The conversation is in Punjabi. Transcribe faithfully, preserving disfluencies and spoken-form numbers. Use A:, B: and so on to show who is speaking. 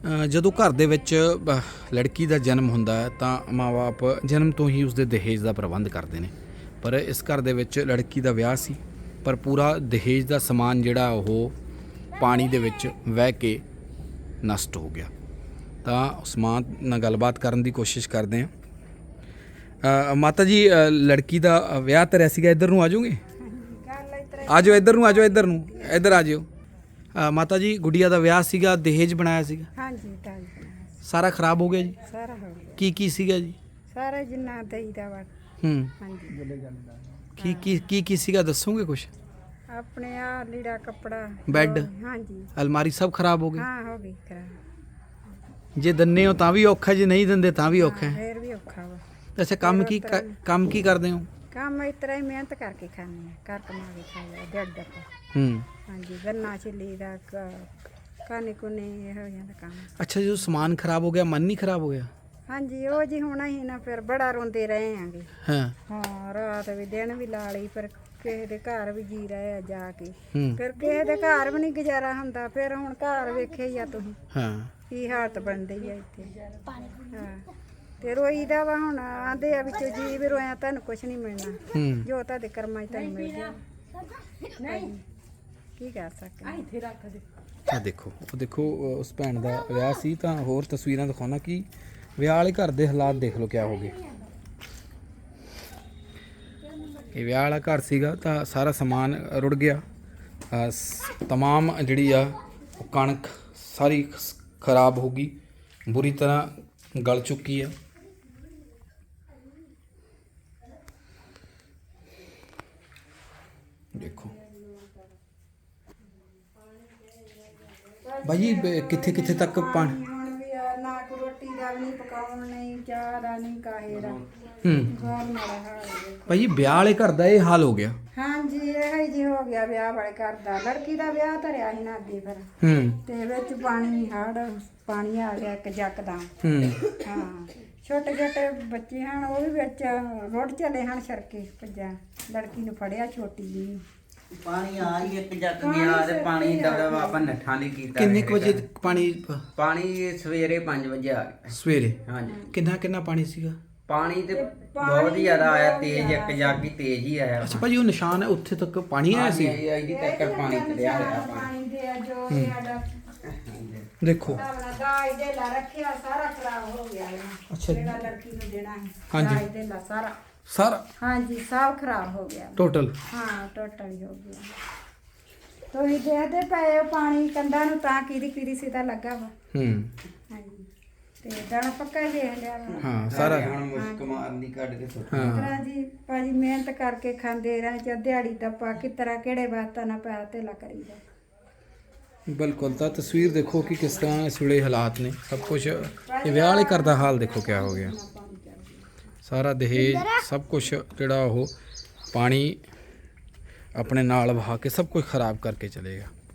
A: ਜਦੋਂ ਘਰ ਦੇ ਵਿੱਚ ਅ, ਲੜਕੀ ਦਾ ਜਨਮ ਹੁੰਦਾ ਹੈ ਤਾਂ ਮਾਂ-ਬਾਪ ਜਨਮ ਤੋਂ ਹੀ ਉਸਦੇ ਦਹੇਜ ਦਾ ਪ੍ਰਬੰਧ ਕਰਦੇ ਨੇ। ਪਰ ਇਸ ਘਰ ਦੇ ਵਿੱਚ ਲੜਕੀ ਦਾ ਵਿਆਹ ਸੀ, ਪਰ ਪੂਰਾ ਦਹੇਜ ਦਾ ਸਮਾਨ ਜਿਹੜਾ ਉਹ ਪਾਣੀ ਦੇ ਵਿੱਚ ਵਹਿ ਕੇ ਨਸ਼ਟ ਹੋ ਗਿਆ। ਤਾਂ ਉਸ ਮਾਂ ਨਾਲ ਗੱਲਬਾਤ ਕਰਨ ਦੀ ਕੋਸ਼ਿਸ਼ ਕਰਦੇ ਹਾਂ। ਅ, ਮਾਤਾ ਜੀ, ਅ, ਲੜਕੀ ਦਾ ਵਿਆਹ ਧਰਿਆ ਸੀਗਾ, ਇੱਧਰ ਨੂੰ ਆ ਜਾਓਗੇ? ਆ ਜਾਓ ਇੱਧਰ ਨੂੰ, ਆ ਜਾਓ ਇੱਧਰ ਨੂੰ, ਇੱਧਰ ਆ ਜਿਓ। ਅ, ਮਾਤਾ ਜੀ, ਗੁੱਡੀਆ ਦਾ ਵਿਆਹ ਸੀਗਾ, ਦਹੇਜ ਬਣਾਇਆ ਸੀਗਾ?
B: ਹਾਂਜੀ ਦਹੇਜ ਬਣਾਇਆ ਸੀ।
A: ਸਾਰਾ ਖਰਾਬ ਹੋ ਗਿਆ ਜੀ?
B: ਸਾਰਾ ਹੋ ਗਿਆ।
A: ਕੀ ਕੀ ਸੀਗਾ ਜੀ?
B: ਸਾਰਾ ਜਿੰਨਾ ਦਹੀਂ ਦਾ ਵਾ।
A: ਹੂੰ।
B: ਹਾਂਜੀ।
A: ਕੀ ਕੀ ਕੀ ਕੀ ਸੀਗਾ, ਦੱਸੋਗੇ ਕੁਛ?
B: ਆਪਣੇ ਆ ਲੀੜਾ ਕੱਪੜਾ,
A: ਬੈੱਡ,
B: ਹਾਂਜੀ
A: ਅਲਮਾਰੀ ਸਭ ਖਰਾਬ ਹੋ ਗਈ?
B: ਹਾਂ ਹੋ ਗਈ ਖਰਾਬ।
A: ਜੇ ਦੰਨੇ ਹੋ ਤਾਂ ਵੀ ਔਖਾ, ਜੇ ਨਹੀਂ ਦਿੰਦੇ ਤਾਂ ਵੀ ਔਖਾ ਹੈ।
B: ਫੇਰ ਵੀ ਔਖਾ ਵਾ।
A: ਅੱਛਾ, ਕੰਮ ਕੀ ਕ- ਕੰਮ ਕੀ ਕਰਦੇ ਹੋ?
B: ਕੰਮ ਇਸ ਤਰ੍ਹਾਂ ਹੀ ਮਿਹਨਤ ਕਰਕੇ ਖਾਂਦੇ ਆ, ਘਰ ਕਮਾ ਕੇ ਖਾਈਦਾ ਦਿਹਾੜੀ ਦਾ।
A: ਹੂੰ।
B: ਹਾਂਜੀ, ਗੰਨਾ ਛਿੱਲੀ ਦਾ ਕਾਨੇ ਕੁਨੇ ਇਹੋ ਜਿਹਾ ਦਾ ਕੰਮ।
A: ਅੱਛਾ, ਜਦੋਂ ਸਮਾਨ ਖਰਾਬ ਹੋ ਗਿਆ, ਮਨ ਨਹੀਂ ਖਰਾਬ ਹੋ ਗਿਆ?
B: ਹਾਂਜੀ, ਉਹ ਜੀ ਹੋਣਾ ਹੀ ਨਾ, ਫਿਰ ਬੜਾ ਰੋਂਦੇ ਰਹੇ ਆਂਗੇ।
A: ਹਾਂ।
B: ਹਾਂ, ਰਾਤ ਵੀ ਦਿਨ ਵੀ ਲਾ ਲਈ, ਪਰ ਕਿਸੇ ਦੇ ਘਰ ਵੀ ਜੀ ਰਹੇ ਆ ਜਾ ਕੇ।
A: ਹੂੰ।
B: ਫਿਰ ਕਿਸੇ ਦੇ ਘਰ ਵੀ ਨਹੀਂ ਗੁਜ਼ਾਰਾ ਹੁੰਦਾ। ਫਿਰ ਹੁਣ ਘਰ ਵੇਖੇ ਹੀ ਆ ਤੁਸੀਂ
A: ਹਾਂ।
B: ਕੀ ਹਾਲਤ ਬਣਦੀ ਆ ਇੱਥੇ। ਹਾਂ, ਤੇ ਰੋਈਦਾ ਵਾ। ਹੁਣ ਆਂਦੇ ਆ ਵਿੱਚੋਂ ਜੀ ਵੀ ਰੋਇਆ ਤੁਹਾਨੂੰ ਕੁਛ ਨਹੀਂ ਮਿਲਣਾ,
A: ਹੂੰ।
B: ਜੋ ਤੁਹਾਡੇ ਕਰਮਾਂ 'ਚ ਤੁਹਾਨੂੰ ਮਿਲ ਗਿਆ। ਹਾਂਜੀ, ਕੀ ਕਰ ਸਕਦੇ।
A: ਆ ਦੇਖੋ, ਉਹ ਦੇਖੋ, ਉਸ ਭੈਣ ਦਾ ਵਿਆਹ ਸੀ। ਤਾਂ ਹੋਰ ਤਸਵੀਰਾਂ ਦਿਖਾਉਣਾ ਕਿ ਵਿਆਹ ਵਾਲੇ ਘਰ ਦੇ ਹਾਲਾਤ ਦੇਖ ਲਓ ਕਿਆ ਹੋ ਗਏ। ਇਹ ਵਿਆਹ ਵਾਲਾ ਘਰ ਸੀਗਾ ਤਾਂ ਸਾਰਾ ਸਮਾਨ ਰੁੜ ਗਿਆ। ਅ, ਸ- ਤਮਾਮ ਜਿਹੜੀ ਆ ਉਹ ਕਣਕ ਸਾਰੀ ਖ- ਖਰਾਬ ਹੋ ਗਈ, ਬੁਰੀ ਤਰ੍ਹਾਂ ਗਲ ਚੁੱਕੀ ਆ। ਦੇਖੋ ਭਾਈ, ਕਿੱਥੇ ਕਿੱਥੇ ਤੱਕ ਪਾਣੀ?
B: ਹੁਣ ਵੀ ਆ, ਨਾ ਕੋ ਰੋਟੀ ਦਾ ਵੀ ਨਹੀਂ ਪਕਾਉਣ, ਨਹੀਂ ਚਾਹ ਦਾ, ਨਹੀਂ ਕਾਹੇ ਦਾ।
A: ਹੂੰ।
B: ਬਹੁਤ ਮਾੜਾ ਹਾਲ ਹੈ।
A: ਭਾਈ, ਵਿਆਹ ਵਾਲੇ ਘਰ ਦਾ ਇਹ ਹਾਲ ਹੋ ਗਿਆ।
B: ਹਾਂਜੀ, ਇਹੋ ਹੀ ਜੀ ਹੋ ਗਿਆ ਵਿਆਹ ਵਾਲੇ ਘਰ ਦਾ। ਲੜਕੀ ਦਾ ਵਿਆਹ ਧਰਿਆ ਸੀ ਨਾ ਅੱਗੇ, ਫਿਰ
A: ਹੂੰ।
B: ਤੇ ਵਿੱਚ ਪਾਣੀ ਹੜ ਪਾਣੀ ਆ ਗਿਆ ਇੱਕ ਜੱਕਦਮ।
A: ਹੂੰ।
B: ਹਾਂ, ਛੋਟੇ ਛੋਟੇ ਬੱਚੇ ਹਨ, ਉਹ ਵੀ ਵਿੱਚ ਰੁੜ ਚਲੇ ਹਨ ਸਰਕੇ ਭੱਜਾਂ। ਲੜਕੀ ਨੂੰ ਫੜਿਆ ਛੋਟੀ ਜੀ।
C: ਪਾਣੀ ਆ ਹੀ ਇੱਕ ਜੱਗ ਗਿਆ ਤੇ ਪਾਣੀ ਦਾ ਆਪਾਂ ਨੱਠਾ ਨਹੀਂ ਕੀਤਾ।
A: ਕਿੰਨੇ ਕੁ ਵਜੇ ਪਾਣੀ?
C: ਪਾਣੀ ਸਵੇਰੇ ਪੰਜ ਵਜੇ ਆ ਗਿਆ।
A: ਸਵੇਰੇ?
C: ਹਾਂਜੀ।
A: ਕਿੰਨਾ ਕਿੰਨਾ ਪਾਣੀ ਸੀਗਾ?
C: ਪਾਣੀ ਤੇ ਬਹੁਤ ਹੀ ਜ਼ਿਆਦਾ ਆਇਆ, ਤੇਜ਼, ਇੱਕ ਜੱਗ ਹੀ ਤੇਜ਼ ਹੀ ਆਇਆ।
A: ਅੱਛਾ ਭਾਜੀ, ਉਹ ਨਿਸ਼ਾਨ ਹੈ ਉੱਥੇ ਤੱਕ ਪਾਣੀ ਆਇਆ ਸੀ?
C: ਇਹਦੀ ਤੱਕ ਪਾਣੀ ਚੜਿਆ ਹੋਇਆ ਪਾਣੀ।
B: ਪਾਣੀ ਦੇ ਆ ਜੋ ਸਾਡਾ
A: ਦੇਖੋ।
B: ਆਪਣਾ ਦਾਜ ਦੇ ਲਾ ਰੱਖਿਆ, ਸਾਰਾ ਖਰਾਬ ਹੋ ਗਿਆ ਹੈ।
A: ਅੱਛਾ।
B: ਜਿਹੜਾ ਲੜਕੀ ਨੂੰ ਦੇਣਾ ਹੈ
A: ਹਾਂਜੀ।
B: ਦਾਜ ਦੇ ਲਾ ਸਾਰਾ।
A: ਸਾਰਾ
B: ਹਾਂਜੀ, ਸਭ ਖਰਾਬ ਹੋ ਗਿਆ।
A: ਟੋਟਲ?
B: ਹਾਂ, ਟੋਟਲ ਹੀ ਹੋ ਗਿਆ। ਤੁਸੀਂ ਦੇਖਦੇ ਪਏ ਹੋ ਪਾਣੀ ਕੰਧਾਂ ਨੂੰ, ਤਾਂ ਕਿਹਦੀ ਕਿਹਦੀ ਸਿੱਧਾ ਲੱਗਾ ਵਾ।
A: ਹੂੰ।
B: ਹਾਂਜੀ, ਤੇ ਦਾਣਾ ਪੱਕਾ ਹੀ ਦੇਖ ਲਿਆ ਵਾ।
A: ਹਾਂ, ਸਾਰਾ।
C: ਹੁਣ ਮੁਸਕ ਮਾਰਨੀ ਕੱਢ ਕੇ ਸੁੱਟ।
A: ਹਾਂ।
B: ਤਰ੍ਹਾਂ ਜੀ ਭਾਜੀ ਮਿਹਨਤ ਕਰਕੇ ਖਾਂਦੇ ਰਹੇ, ਜਾਂ ਦਿਹਾੜੀ ਦੱਪਾ ਕਿਸ ਤਰ੍ਹਾਂ ਕਿਹੜੇ ਬਾਤਾਂ ਨਾਲ ਪੈਸਾ ਧੇਲਾ ਕਰੀਦਾ।
A: ਬਿਲਕੁਲ। ਤਾਂ ਤਸਵੀਰ ਦੇਖੋ ਕਿ ਕਿਸ ਤਰ੍ਹਾਂ ਇਸ ਵੇਲੇ ਹਾਲਾਤ ਨੇ। ਸਭ ਕੁਝ, ਇਹ ਵਿਆਹ ਵਾਲੇ ਘਰ ਦਾ ਹਾਲ ਦੇਖੋ ਕਿਆ ਹੋ ਗਿਆ। ਸਾਰਾ ਦਹੇਜ, ਸਭ ਕੁਝ ਜਿਹੜਾ ਉਹ ਪਾਣੀ ਆਪਣੇ ਨਾਲ ਵਹਾ ਕੇ ਸਭ ਕੁਝ ਖਰਾਬ ਕਰਕੇ ਚਲੇਗਾ।